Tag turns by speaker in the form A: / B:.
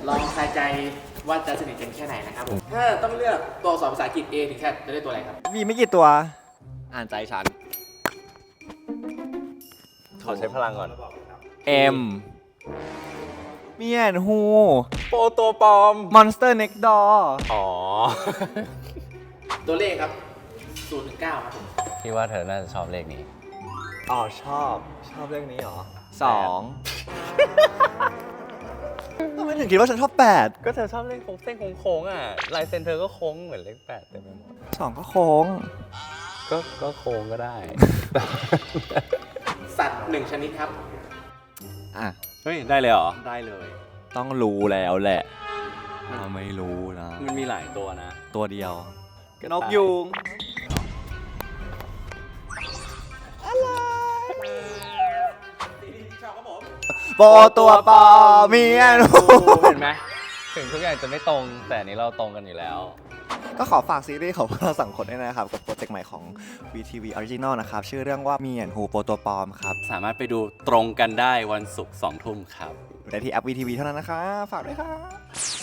A: ลองทายใจว่าจะสนิทกันแค่ไหนนะครับผมถ้าต้องเลือกตัวอักษรภาษาอังกฤษ A ถึงแค่จะเลือกตัวอะไรครับ
B: มีไม่กี่ตัว
C: อ่านใจฉัน ขอใช้พลังก่อน
B: M เมียนฮู
C: โปรตัวปลอม
B: Monster Next Door
C: อ๋อ
A: ตัวเลขครับ0 ถึง 9ครับผม
D: พี่ว่าเธอน่าจะชอบเลขนี้
C: อ๋อชอบเรื่องนี้เหรอ
B: ทำไมถึงคิดว่าฉันชอบ
C: ก็เธอชอบเล่นเส้นโค้งๆอ่ะ ลายเซ็นเธอก็โค้งเหมือนเลข8เต็มไปหมด
B: 8 2 ก็โค้ง
C: ก็โค้งก็ได้
A: สัตว์1 ชนิดครับ
B: อ่ะ
C: เฮ้ย ได้เลยเหรอ ได้เลย
B: ต้องรู้แล้วแหละเราไม่รู้นะ
C: มันมีหลายตัวนะ
B: ตัวเดียว นกยูงโปตัวปอเมียนฮู
D: เห็นไหมถึงทุกอย่างจะไม่ตรงแต่อันนี้เราตรงกันอยู่แล้ว
B: ก็ขอฝากซีรีส์ของพวกเราสองคนด้วยนะครับ กับโปรเจกต์ใหม่ของ VTV Original นะครับ ชื่อเรื่องว่าเมียนฮูโปตัวปอมครับ
C: สามารถไปดูตรงกันได้วันศุกร์2 ทุ่มครับ
B: อยู่ได้ที่แอป VTV เท่านั้นนะคะฝากด้วยครับ